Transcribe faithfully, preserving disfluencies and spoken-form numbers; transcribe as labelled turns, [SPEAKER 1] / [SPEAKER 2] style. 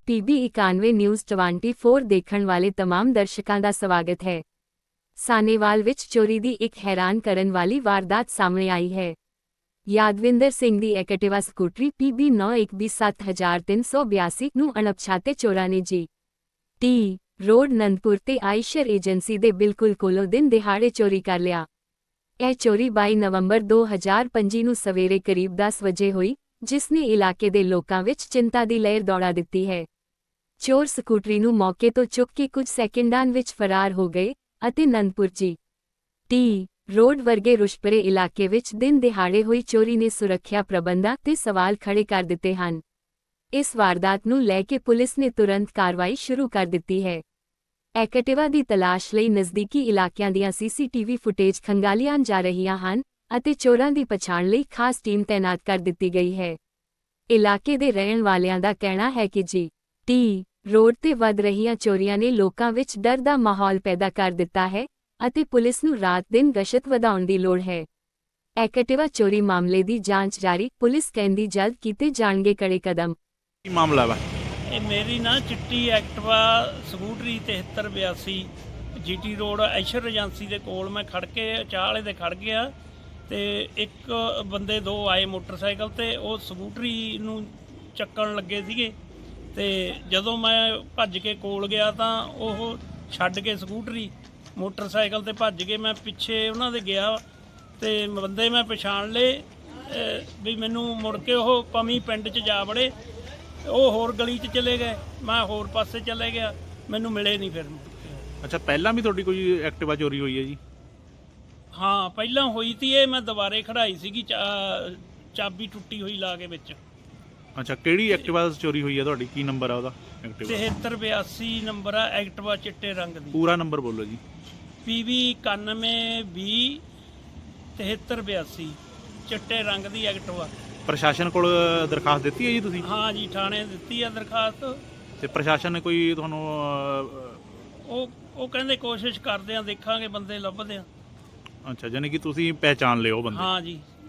[SPEAKER 1] PB ਇਕਾਨਵੇਂ news ਚੌਵੀ ਦੇਖਣ ਵਾਲੇ तमाम ਦਰਸ਼ਕਾਂ ਦਾ ਸਵਾਗਤ ਹੈ। ਸਾਨੇਵਾਲ ਵਿੱਚ ਚੋਰੀ ਦੀ ਇੱਕ ਹੈਰਾਨ ਕਰਨ ਵਾਲੀ ਵਾਰਦਾਤ ਸਾਹਮਣੇ ਆਈ ਹੈ। ਯਾਦਵਿੰਦਰ ਸਿੰਘ ਦੀ ਐਕਟਿਵਾ ਸਕੂਟਰੀ ਪੀਬੀ ਨੌ ਇੱਕ ਬੀ ਸੱਤ ਹਜ਼ਾਰ ਤਿੰਨ ਸੌ ਬਿਆਸੀ ਨੂੰ ਅਣਪਛਾਤੇ ਚੋਰਾਂ ਨੇ ਜੀ ਟੀ ਰੋਡ ਨੰਦਪੁਰ ਤੇ ਆਇਸ਼ਰ ਏਜੰਸੀ ਦੇ ਬਿਲਕੁਲ ਕੋਲੋਂ ਦਿਨ ਦਿਹਾੜੇ ਚੋਰੀ ਕਰ ਲਿਆ। ਇਹ ਚੋਰੀ ਬਾਈ ਨਵੰਬਰ ਦੋ ਹਜ਼ਾਰ ਪੰਜੀ ਨੂੰ ਸਵੇਰੇ ਕਰੀਬ ਦਸ ਵਜੇ ਹੋਈ, ਜਿਸ ਨੇ ਇਲਾਕੇ ਦੇ ਲੋਕਾਂ ਵਿੱਚ ਚਿੰਤਾ ਦੀ ਲਹਿਰ ਦੌੜਾ ਦਿੱਤੀ ਹੈ। ਚੋਰ ਸਕੂਟਰੀ ਨੂੰ ਮੌਕੇ ਤੋਂ ਚੁੱਕ ਕੇ ਕੁਝ ਸੈਕਿੰਡਾਂ ਵਿੱਚ ਫਰਾਰ ਹੋ ਗਏ ਅਤੇ ਨੰਦਪੁਰ ਜੀ ਟੀ ਰੋਡ ਵਰਗੇ ਰੁਸ਼ਪਰੇ ਇਲਾਕੇ ਵਿੱਚ ਦਿਨ ਦਿਹਾੜੇ ਹੋਈ ਚੋਰੀ ਨੇ ਸੁਰੱਖਿਆ ਪ੍ਰਬੰਧਾਂ ਤੇ ਸਵਾਲ ਖੜੇ ਕਰ ਦਿੱਤੇ ਹਨ। ਇਸ ਵਾਰਦਾਤ ਨੂੰ ਲੈ ਕੇ ਪੁਲਿਸ ਨੇ ਤੁਰੰਤ ਕਾਰਵਾਈ ਸ਼ੁਰੂ ਕਰ ਦਿੱਤੀ ਹੈ। ਐਕਟਿਵਾ ਦੀ ਤਲਾਸ਼ ਲਈ ਨਜ਼ਦੀਕੀ ਇਲਾਕਿਆਂ ਦੀਆਂ ਸੀਸੀਟੀਵੀ ਫੁਟੇਜ ਖੰਗਾਲੀਆਂ ਜਾ ਰਹੀਆਂ ਹਨ ਅਤੇ ਚੋਰਾਂ ਦੀ ਪਛਾਣ ਲਈ ਖਾਸ ਟੀਮ ਤੈਨਾਤ ਕਰ ਦਿੱਤੀ ਗਈ ਹੈ। ਇਲਾਕੇ ਦੇ ਰਹਿਣ ਵਾਲਿਆਂ ਦਾ ਕਹਿਣਾ ਹੈ ਕਿ ਜੀ ਟੀ ਰੋਡ ਤੇ ਵੱਧ ਰਹੀਆਂ ਚੋਰੀਆਂ ਨੇ ਲੋਕਾਂ ਵਿੱਚ ਡਰ ਦਾ ਮਾਹੌਲ ਪੈਦਾ ਕਰ ਦਿੱਤਾ ਹੈ ਅਤੇ ਪੁਲਿਸ ਨੂੰ ਰਾਤ-ਦਿਨ ਗਸ਼ਤ ਵਧਾਉਣ ਦੀ ਲੋੜ ਹੈ। ਐਕਟਿਵਾ ਚੋਰੀ ਮਾਮਲੇ ਦੀ ਜਾਂਚ ਜਾਰੀ, ਪੁਲਿਸ ਕਹਿੰਦੀ ਜਲਦ ਕੀਤੇ ਜਾਣਗੇ ਕੜੇ ਕਦਮ।
[SPEAKER 2] ਕੀ ਮਾਮਲਾ ਵਾ?
[SPEAKER 3] ਇਹ ਮੇਰੀ ਨਾ ਚਿੱਟੀ ਐਕਟਿਵਾ ਸਕੂਟਰੀ ਤਿਹੱਤਰ ਬਿਆਸੀ ਜੀਟੀ ਰੋਡ ਐਸ਼ਰ ਏਜੰਸੀ ਦੇ ਕੋਲ ਮੈਂ ਖੜ ਕੇ ਚਾਹ ਵਾਲੇ ਦੇ ਖੜ ਗਿਆ ਤੇ ਇੱਕ ਬੰਦੇ ਦੋ ਆਏ ਮੋਟਰਸਾਈਕਲ ਤੇ, ਉਹ ਸਕੂਟਰੀ ਨੂੰ ਚੱਕਣ ਲੱਗੇ ਸੀਗੇ ਤੇ ਜਦੋਂ ਮੈਂ ਭੱਜ ਕੇ ਕੋਲ ਗਿਆ ਤਾਂ ਉਹ ਛੱਡ ਕੇ ਸਕੂਟਰੀ ਮੋਟਰਸਾਈਕਲ ਤੇ ਭੱਜ ਗਏ। ਮੈਂ ਪਿੱਛੇ ਉਹਨਾਂ ਦੇ ਗਿਆ ਤੇ ਬੰਦੇ ਮੈਂ ਪਛਾਣ ਲਏ ਵੀ ਮੈਨੂੰ ਮੁੜ ਕੇ ਉਹ ਪਮੀ ਪਿੰਡ 'ਚ ਜਾ ਵੜੇ, ਉਹ ਹੋਰ ਗਲੀ 'ਚ ਚਲੇ ਗਏ, ਮੈਂ ਹੋਰ ਪਾਸੇ ਚਲੇ ਗਿਆ, ਮੈਨੂੰ ਮਿਲੇ ਨਹੀਂ ਫਿਰ।
[SPEAKER 2] ਅੱਛਾ, ਪਹਿਲਾਂ ਵੀ ਤੁਹਾਡੀ ਕੋਈ ਐਕਟਿਵਾ ਚੋਰੀ ਹੋਈ ਹੈ ਜੀ?
[SPEAKER 3] ਹਾਂ, ਪਹਿਲਾਂ ਹੋਈ ਤੀ, ਇਹ ਮੈਂ ਦੁਬਾਰੇ ਖੜਾਈ ਸੀਗੀ, ਚਾ ਚਾਬੀ ਟੁੱਟੀ ਹੋਈ ਲਾ ਕੇ ਵਿੱਚ।
[SPEAKER 2] ਅੱਛਾ, ਕਿਹੜੀ ਐਕਟਿਵਾ ਚੋਰੀ ਹੋਈ ਹੈ ਤੁਹਾਡੀ? ਕੀ ਨੰਬਰ ਆ ਉਹਦਾ ਐਕਟਿਵਾ?
[SPEAKER 3] ਤਿਹੱਤਰ ਬਿਆਸੀ ਨੰਬਰ ਆ ਐਕਟਿਵਾ, ਚਿੱਟੇ ਰੰਗ ਦੀ।
[SPEAKER 2] ਪੂਰਾ ਨੰਬਰ ਬੋਲੋ ਜੀ।
[SPEAKER 3] ਪੀਵੀ ਇਕਾਨਵੇਂ ਵੀਹ ਤਿਹੱਤਰ ਬਿਆਸੀ ਚਿੱਟੇ ਰੰਗ ਦੀ ਐਕਟਿਵਾ।
[SPEAKER 2] ਪ੍ਰਸ਼ਾਸਨ ਕੋਲ ਦਰਖਾਸਤ ਦਿੱਤੀ ਹੈ ਜੀ ਤੁਸੀਂ?
[SPEAKER 3] ਹਾਂ ਜੀ, ਥਾਣੇ ਦਿੱਤੀ ਆ ਦਰਖਾਸਤ।
[SPEAKER 2] ਤੇ ਪ੍ਰਸ਼ਾਸਨ ਨੇ ਕੋਈ ਤੁਹਾਨੂੰ
[SPEAKER 3] ਉਹ ਉਹ ਕਹਿੰਦੇ ਕੋਸ਼ਿਸ਼ ਕਰਦੇ ਆ, ਦੇਖਾਂਗੇ ਬੰਦੇ ਲੱਭਦੇ ਆ।
[SPEAKER 2] ਅੱਛਾ, ਯਾਨੀ ਕਿ ਤੁਸੀਂ ਪਹਿਚਾਣ ਲਿਓ ਬੰਦੇ?
[SPEAKER 3] ਹਾਂ ਜੀ।